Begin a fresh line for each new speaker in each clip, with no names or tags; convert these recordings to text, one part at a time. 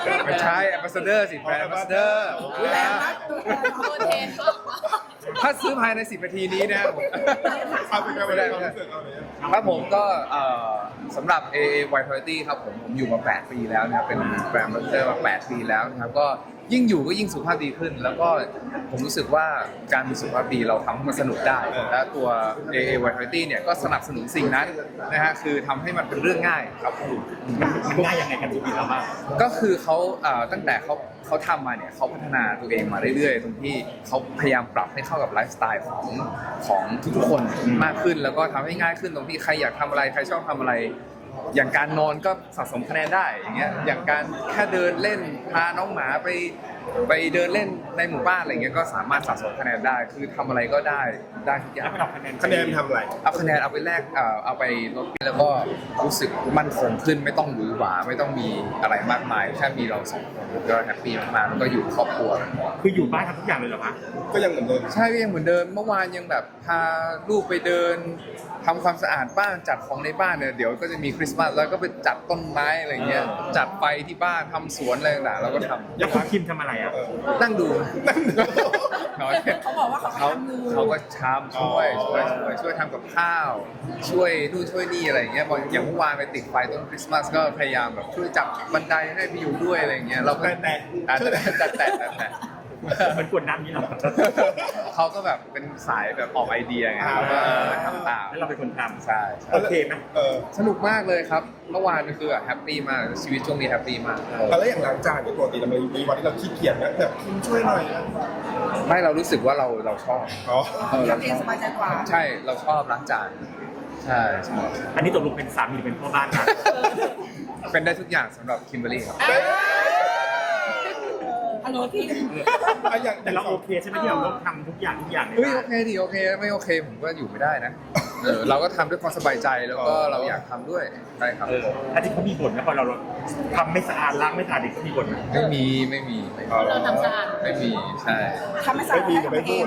ไม่ใช่แอมบาสเดอร์สิแบรนด์แอมบาสเดอร์
ตัวเทน
ถ้าซื้อภายใน10 นาทีนี้นะ
เอาเป็นการความรู้สึกเอาเลย
ครับผมก็สำหรับ AA Vitality ครับผมอยู่มา 8 ปีแล้วนะครับเป็นแบรนด์แอมบาสเดอร์มา 8 ปีแล้วนะครับก็ยิ่งอยู่ก็ยิ่งสุขภาพดีขึ้น แล้วก็ผมรู้สึกว่าการมีสุขภาพดีเราทำให้มันสนุกได้ และตัว AA Vitality เนี่ยก็สนับสนุนสิ่งนั้นนะฮะคือทำให้มันเป็นเรื่องง่ายครับผม
มันง่ายยังไงกับชีวิตเราบ้าง
ก็คือเขาตั้งแต่เขาทำมาเนี่ยเขาพัฒนาตัวเองมาเรื่อยๆตรงที่เขาพยายามปรับให้เข้ากับไลฟ์สไตล์ของทุกๆคนมากขึ้น แล้วก็ทำให้ง่ายขึ้นตรงที่ใครอยากทำอะไรใครชอบทำอะไร อย่างการนอนก็สะสมคะแนนได้อย่างเงี้ยอย่างการแค่เดินเล่นพาน้องหมาไปเดินเล่นในหมู่บ้านอะไรเงี้ยก็สามารถสะสมคะแนนได้คือทำอะไรก็ได้ทุกอย่าง
คะแนนทำอะไร
เอาคะแนนเอาไปแลกเอาไปลดแล้วก็รู้สึกมั่นคงขึ้นไม่ต้องหวือหวาไม่ต้องมีอะไรมากมายแค่มีเราสองคนก็แฮปปี้มากๆแล้วก็อยู่ครอบครัว
คืออยู่บ้านทำทุกอย่างเลยเหรอคะ
ก็ยังเหมือนเดิม
ใช่ก็ยังเหมือนเดิมเมื่อวานยังแบบพาลูกไปเดินทำความสะอาดบ้านจัดของในบ้านเนี่ยเดี๋ยวก็จะมีคริสต์มาสแล้วก็ไปจัดต้นไม้อะไรเงี้ยจัดไฟที่บ้านทำสวนอะไรต่างๆเราก็ทำ
แล้วคุณคิมทำอะไรอ่ะ
นั่งดูน้อย
เขาบอกว่าเขา
ก็ทำช่วยทำกับข้าว ช่วยนู่นช่วยนี่อะไรอย่างเงี้ยอย่างเมื่อวานไปติดไฟต้นคริสต์มาสก็พยายามแบบช่วยจับบันไดให้พี่อยู่ด้วยอะไรอย่างเงี้ยเราก็แต่
มันกวนน้ำนี้เหรอ
เขาก็แบบเป็นสายแบบออกไอเดียไงเราก็ทำตาม
แล้วเราเป็นคนท
ใช่
ำโอเคไหม
สนุกมากเลยครับเมื่อวานคือแฮปปี้มากชีวิตช่วงนี้แฮปปี้มาก
แล้วอย่างล้างจานเนี่ยปกติเรามีวันที่เราขี้เกียจนะแบบคุณช่วยหน่อยนะ
ไม่เรารู้สึกว่าเราชอบ
อ๋อ
เราเองสบายใจกว่า
ใช่เราชอบล้างจานใช่
อันนี้ตกลงเป็นสามีหรือเป็นพ่อบ้านครับ
เป็นได้ทุกอย่างสำหรับคิมเบอรรี่ครับ
ฮัลโหลพี่
อย่าง
แต่เราโอเคใช่ไหมที่เราต้องทำทุกอย่างใน
เฮ้ย
บ้า
โอน เคดีโอเคไม่โอเคผมก็อยู่ไม่ได้นะเราก็ทำด้วยความสบายใจแล้วก็เราอยากทำด้วยใช่ครับ
อันที่เขามีบ่นนะพอเราทำไม่สะอาดล้างไม่สะอาดเด็กเขามีบ่นไหม
ไม่มี
เราทำสะอาด
ไม่มีใช่
ทำไม่สะอาด
ไม่มี
ให้
จะ
ตัว
ไม่
เอ
พูด
ง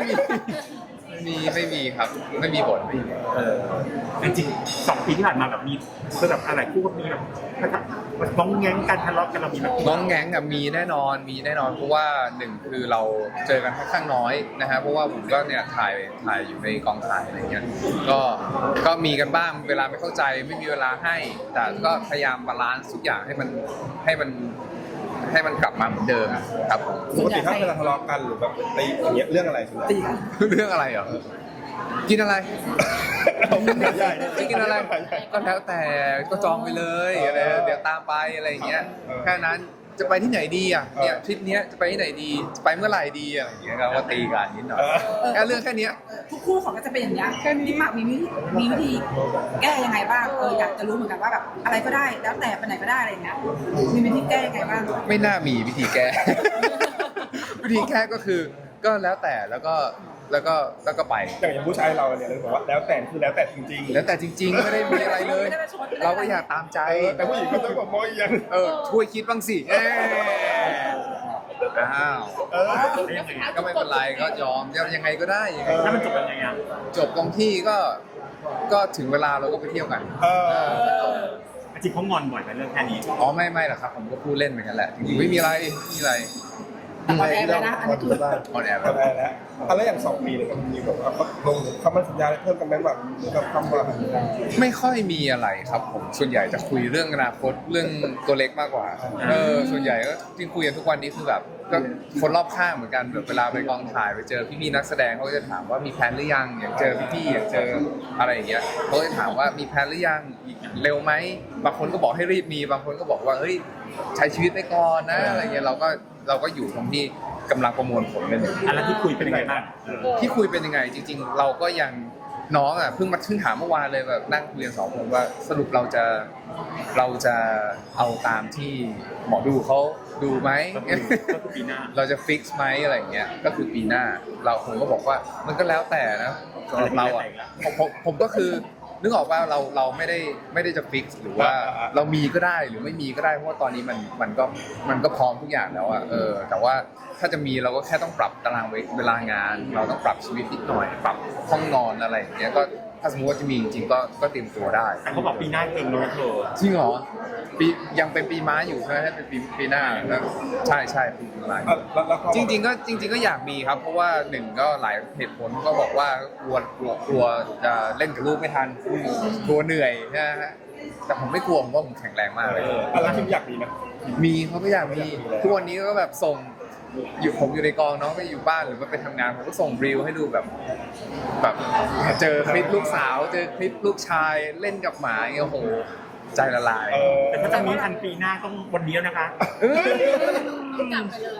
ไม่มีครับไม่มีบ่นไม่มี
จริงๆ2 ปีที่ผ่านมาแบบมีคือแบบอะไรคู่ก็มีแบบง้องแง้งกันทะเลาะกันเรามีแบบ
น้องแง้งอะมีแน่นอนเพราะว่าหนึ่งคือเราเจอกันค่อนข้างน้อยนะฮะเพราะว่าผมก็เนี่ยถ่ายอยู่ในกองถ่ายอะไรเงี้ยก็มีกันบ้างเวลาไม่เข้าใจไม่มีเวลาให้ แต่ก็พยายามบาลานซ์ทุกอย่างให้มันกลับมาเหมือนเดิมครับผม
ปกติถ้าเวลาทะเลาะกันหรือแบบตีอย่างเงี้ยเรื่องอะไรส่วนใหญ่
ตีกัน
เรื่องอะไรเหรอกินอะไร
ใหญ่
ไม่กินอะไรก็แล้วแต่ก็จองไปเลยอะไรเดี๋ยวตามไปอะไรอย่างเงี้ยแค่นั้นจะไปที่ไหนดีอ่ะเนี่ยทริปเนี้ยจะไปที่ไหนดีจะไปเมื่อไหร่ดีอะไรอย่างเงี้ยก็ตีกันนิดหน่อยแค่เรื่องแค่เนี้ย
ทุกคู่เขาก็จะเป็นอย่างนี้พี่หมากมีวิธีแก้ยังไงบ้างอยากจะรู้เหมือนกันว่าแบบอะไรก็ได้แล้วแต่ไปไหนก็ได้อะไรอย่างเงี้ยมีวิธีแก้ยังไงบ้าง
ไม่น่ามีวิธีแก้ วิธีแก้ก็คือก็แล้วแต่แล้วก็ไป
อย่างผู้ชายเราเนี่ยเราบอกว่าแล้วแต่คือแล้วแต่จริงๆ
แล้วแต่จริงๆไม่ได้มีอะไรเลย เราก็อยากตามใจ
แต่ผู้หญิงก็ต้องบอกมองอีกอย่าง
ช่วยคิดบ้างสิอ้าว
ยังไง
ก็ไม่เป็นไรก็ยอมยังไงก็ได้ยังไง
แล้วมันจบยังไงอ่ะ
จบตรงที่ก็ถึงเวลาเราก็ไปเที่ยวกัน
จริงเขางอนบ่อยในเรื่องแค่นี้
อ๋อไม่หรอกครับผมก็พูดเล่นเหมือนกันแหละจริงๆไม่มีอะไร
แต่ออนแอร์ไปนะอันนี้คือ
ออนแอร์
ทำได้แล้วแล้วอย่าง2 ปีเนี่ยมันมีแบบว่าลงคำมั่นสัญญาอะไรเพิ่มกันไหมแบบคำว่า
ไม่ค่อยมีอะไรครับผมส่วนใหญ่จะคุยเรื่องอนาคตเรื่องตัวเล็กมากกว่าส่วนใหญ่ก็ที่คุยกันทุกวันนี้คือแบบก็คนรอบข้างเหมือนกันแบบเวลาไปกองถ่ายไปเจอพี่ๆนักแสดงเขาก็จะถามว่ามีแพลนหรือยังอย่างเจอพี่ๆอย่างเจออะไรอย่างเงี้ยเขาจะถามว่ามีแพลนหรือยังเร็วไหมบางคนก็บอกให้รีบมีบางคนก็บอกว่าเฮ้ยใช้ชีวิตไปก่อนนะอะไรเงี้ยเราก็อยู่ตรงที่กำลังประมวลผลกันอยู่
อันนั้นที่คุยเป็นยังไงบ้าง
ที่คุยเป็นยังไงจริงๆ เราก็ยังน้องอ่ะเพิ่งถามเมื่อวานเลยแบบนั่งเรียน2 คนว่าสรุปเราจะเอาตามที่หมอดูเขาดูไหม
ก็คือปีหน้า
เราจะฟิกซ์ไหมอะไรอย่างเงี้ยก็คือปีหน้าผมก็บอกว่ามันก็แล้วแต่นะสำหรับเราอ่ะผมก็คือนึกออกว่าเราไม่ได้จะฟิกซ์หรือว่าเรามีก็ได้หรือไม่มีก็ได้เพราะว่าตอนนี้มันก็พร้อมทุกอย่างแล้วอ่ะแต่ว่าถ้าจะมีเราก็แค่ต้องปรับตารางเวลางาน เราต้องปรับชีวิตนิดหน่อย ปรับห้องนอนอะไรอย่างเงี้ยก็ถ้าสมมติว่าจะมีจริงๆก็เตรียมตัวได้
แต่เขาบอกปีหน้าเองเลยเธอ
จริงเหรอยังเป็นปีม้าอยู่ใช่ไหมให้เป็นปีหน้าแล้วใช่ปีม้าอยู่
แล้วก็
จริงๆก็อยากมีครับ เพราะว่าหนึ่งก็หลายเหตุผลก็บอกว่ากลัวจะเล่นกับลูกไม่ทันกลัวเหนื่อยนะฮะแต่ผมไม่กลัวผมว่าผมแข็งแรงมากเลย
อะไรที่อยากมีนะ
มีเขาก็อยากมีทุกวันนี้ก็แบบส่งผมอยู่ในกองน้องก็อยู่บ้านหรือว่าไปทำงานผมก็ส่งรีวให้ดูแบบเจอคลิปลูกสาวเจอคลิปลูกชายเล่นกับหมาอย่างเงี้ยโอ้โหใจละลาย
แต่ถ้าจะมีทันปีหน้าต้องวันนี้แล้วนะคะ
กลับไปเลย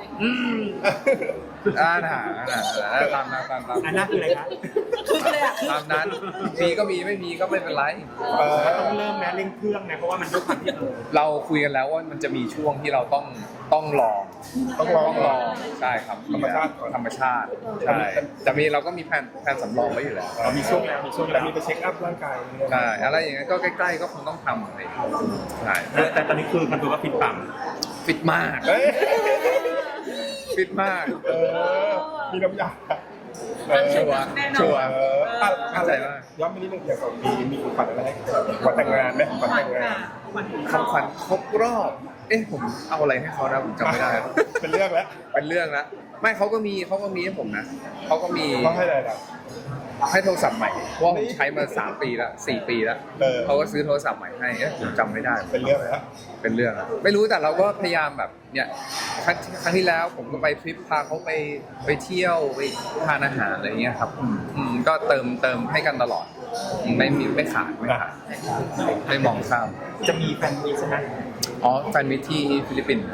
ตามนั้น
อันนั้นคืออะไรคะ
คือเลยอ่ะ
ตามนั้นมีก็มีไม่มีก็ไม่เป็นไร
มันต้องเริ่มแม้เร่งเครื่องนะเพราะว่ามันด้วยความที่
เราคุยกันแล้วว่ามันจะมีช่วงที่เราต้องลองใช่ครับธรรมชาติใช่แต่เราก็มีแผนสำรองไว้อยู่แล้ว
เรามีช่วงแล้วมีช่วง
แต่
แล้ว
มีไปเช็คอัพร่างกาย
ใช่อะไรอย่างเงี้ยก็ใกล้ๆก็คงต้องทำอะไรใช่
แต่ตอนนี้คือมันตัวว่าฟิตปัง
ฟิตมาก
เฮ้ย
ฟิตมาก
มีน้ำยา
ชัวร์
อะไรย้อนไปนิดนึงอย่าง2 ปีมีของขวัญอะไรให้ขวัญแต่งงานไหมขวัญแต่งงาน
คำขวัญครบรอบผมเอาอะไรให้เขานะผมจำไม่ได้
เป็นเรื่องแล้ว
เป็นเรื่องละไม่เขาก็มีให้ผมนะเขาก็มี
เขาให้อะไรล่ะ
ให้โทรศัพท์ใหม่เพราะว่าผมใช้มา3 ปีแล้ว4 ปีแล้วเขาก็ซื้อโทรศัพท์ใหม่ให้ผมจำไม่ได้
เป็นเรื่องแล้ว
เป็นเรื่องอะไม่รู้แต่เราก็พยายามแบบเนี่ยครั้งที่แล้วผมก็ไปทริปพาเขาไปเที่ยวไปทานอาหารอะไรเงี้ยครับก็เติมให้กันตลอดไม่ขาดไม่มองข้าม
จะมีแฟนมีใช่ไหม
อ๋อแฟนมิตที่ฟิลิปปินส์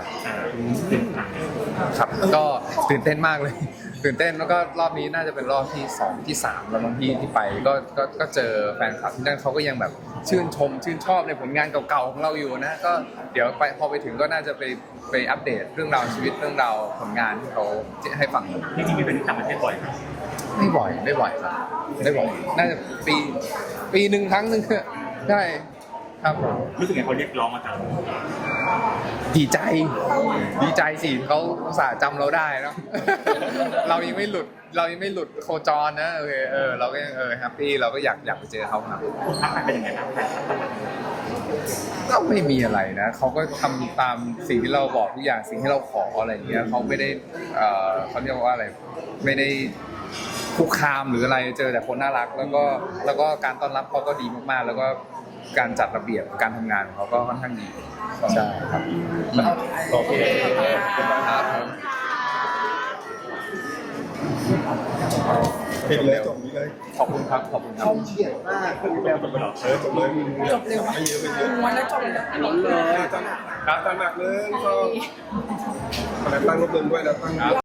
ครับก็ตื่นเต้นมากเลย ตื่นเต้นแล้วก็รอบนี้น่าจะเป็นรอบที่2ที่3แล้วบางที่ไปก็เจอแฟนคลับที่นั่นเขาก็ยังแบบชื่นชอบในผลงานเก่าๆของเราอยู่นะก็เดี๋ยวพอไปถึงก็น่าจะไปอัปเดตเรื่องราวชีวิตเรื่องราวผลงานที่เขาให้ฟัง
จริงๆมีเป็นต่างประเทศบ่อยไหม
ไม่บ่อยครับไม่บ่อยน่าจะปีหนึ่งครั้งหนึ่งใช่ครับผม
รู้สึกไงเขาเรียกร้องมาจาก
ดีใจสิเขาอุตส่าห์จำเราได้เนาะ เรายังไม่หลุดโคจรนะโอเคเราก็ยังแฮปปี้เราก็อยากไปเจอเขาครับ
คุณทักทายเป็นยังไงครับแฟนคลับ
ก็ไม่มีอะไรนะเขาก็ทำตามสิ่งที่เราบอกทุกอย่างสิ่งที่เราขออะไรอย่างเงี้ยเขาไม่ได้เขาเรียกว่าอะไรไม่ได้คุกคามหรืออะไรเจอแต่คนน่ารักแล้วก็การต้อนรับเขาก็ดีมากๆแล้วก็การจัดระเบียบการทำงานของเขาก็ค่อนข้างดีใช่ครับ
โอเค
ครับผม
ปิดเลยจบนี้เลย
ขอบคุณครับ
จบเลยจบเลย
จบเร็วไหม
ไม่เยอะไม่เยอะ
วันแล้วจบเลย
อาจารย์หนักเลยก็ตั้งรูปเดิมด้วยแล้วตั้ง